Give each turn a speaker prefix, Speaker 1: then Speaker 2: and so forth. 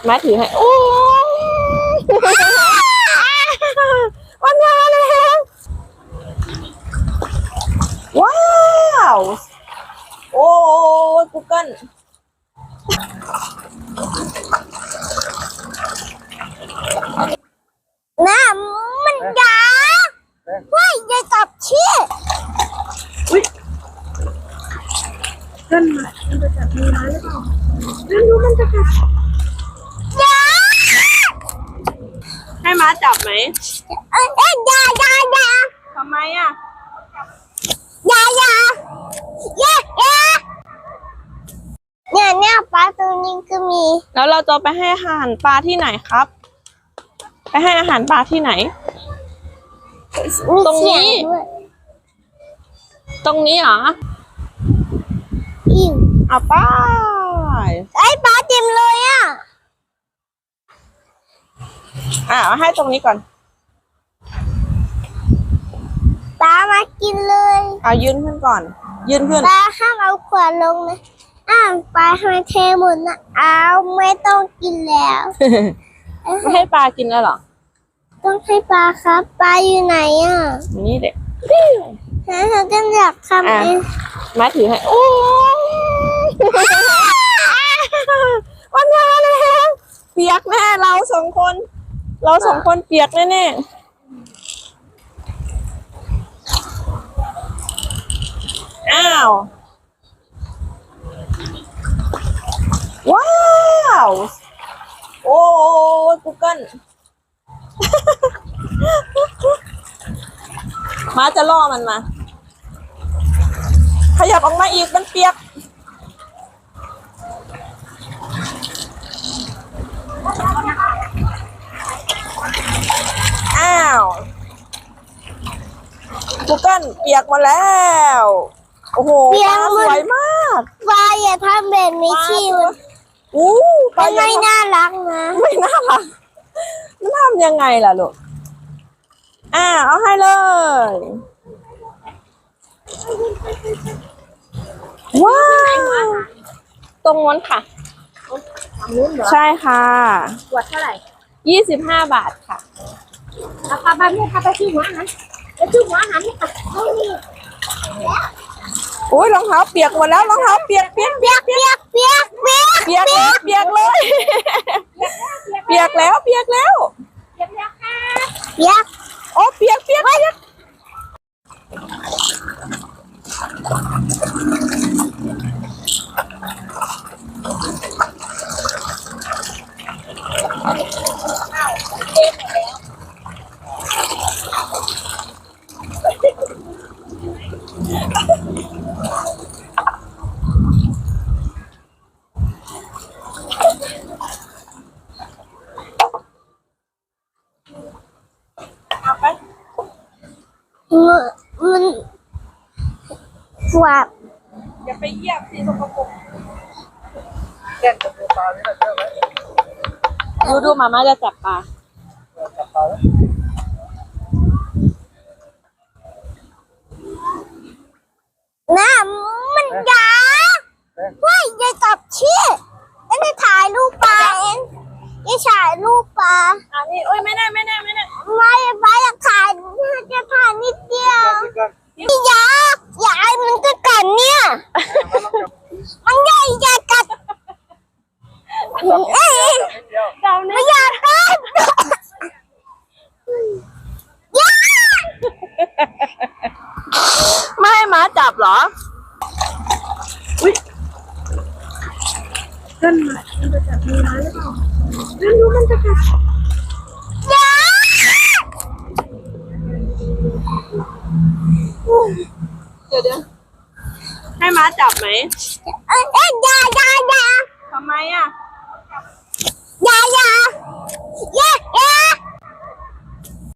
Speaker 1: มาถือให้โอ้วันมาแล้วว้าวโอ้กูเกิล
Speaker 2: น้ำมันยาว่าจะจับชี้
Speaker 1: อุ้ยเกิลมันจะจับมือไม้หรือเปล่าเกิลรู้มันจะกัด
Speaker 2: ยา
Speaker 1: ให้ม้าจับไหม
Speaker 2: ยา
Speaker 1: ทำไมอ่ะ
Speaker 2: ยเนี่ยปลาตัวนี้ก็มี
Speaker 1: แล้วเราจะไปให้อาหารปลาที่ไหนครับไปให้อาหารปลาที่ไหนตรงนี้ตรงนี้เหรอเอาไป
Speaker 2: ไอ้ปลาเต็มเลยอ่ะ
Speaker 1: เอาให้ตรงนี้ก่อน
Speaker 2: ปลามากินเลย
Speaker 1: เอายืนขึ้นก่อนยืนขึ้น
Speaker 2: ปลาห้ามเอาขวดลงนะปลาทำไมเทหมดนะไม่ต้องกินแล้ว
Speaker 1: ไม่ให้ปลากินแล้วเหรอ
Speaker 2: ต้องให้ปลาครับปลาอยู่ไหนอ่ะ
Speaker 1: นี่เด็ก
Speaker 2: เขาจะอยากทำเอง
Speaker 1: มาถือให้โอ้วันมาแล้วเปียกแน่เราสองคนเปียกแน่อ้าวว้าวโอ้กูเกิลมาจะล่อมันมาขยับออกมาอีกมันเปียกอ้าวกูเกิลเปียกมาแล้วโอ้โหสวยมาก
Speaker 2: ปลาอย่าทำแบบนี้ชิวปลาไม่น่ารักนะ
Speaker 1: ไม่น่ารักมันทำยังไงล่ะลูกเอาให้เลยว้าวตรงนั้นค่ะใช่ค่ะ
Speaker 2: ขวดเท่าไหร่
Speaker 1: 25 บาทค่ะ
Speaker 2: ราคาแบบนี้ค่ะไปซื้อหัวอาหารนี่ค่ะนี่
Speaker 1: โอ้ยรองเท้าเปียกหมดแล้วรองเท้าเปียกเลยเปียกแล้วเปียก
Speaker 2: ค่ะ
Speaker 1: โอ้เปียกเอาไป
Speaker 2: มันกวาด
Speaker 1: อย่าไปเหยียบสิสกปรก
Speaker 3: แก้งกับปลานี่แหละเชื่อไหม
Speaker 1: ดูมาม่าจะจับปลา
Speaker 3: จับปลาแล้ว
Speaker 2: น้ำมันยาว่าจะจับชี้แล้วจะถ่ายรูปปลาเองจะถ่ายรูปปลา
Speaker 1: นี่โอ้ยไม่ได้
Speaker 2: ไม่อยากถ่ายจะถ่ายนิดเดียวนี่ยามันก็กัดเนี่ยมันใหญ่กัดไม่อยากกัด
Speaker 1: ไม่ให้ม้าจับเหรออุ้ยเกิลมันจะจับมือไม้หรือเปล่าเกิลรู้มันจะกัดเดี๋ยวให้ม้าจับไหมทำไมอ่ะ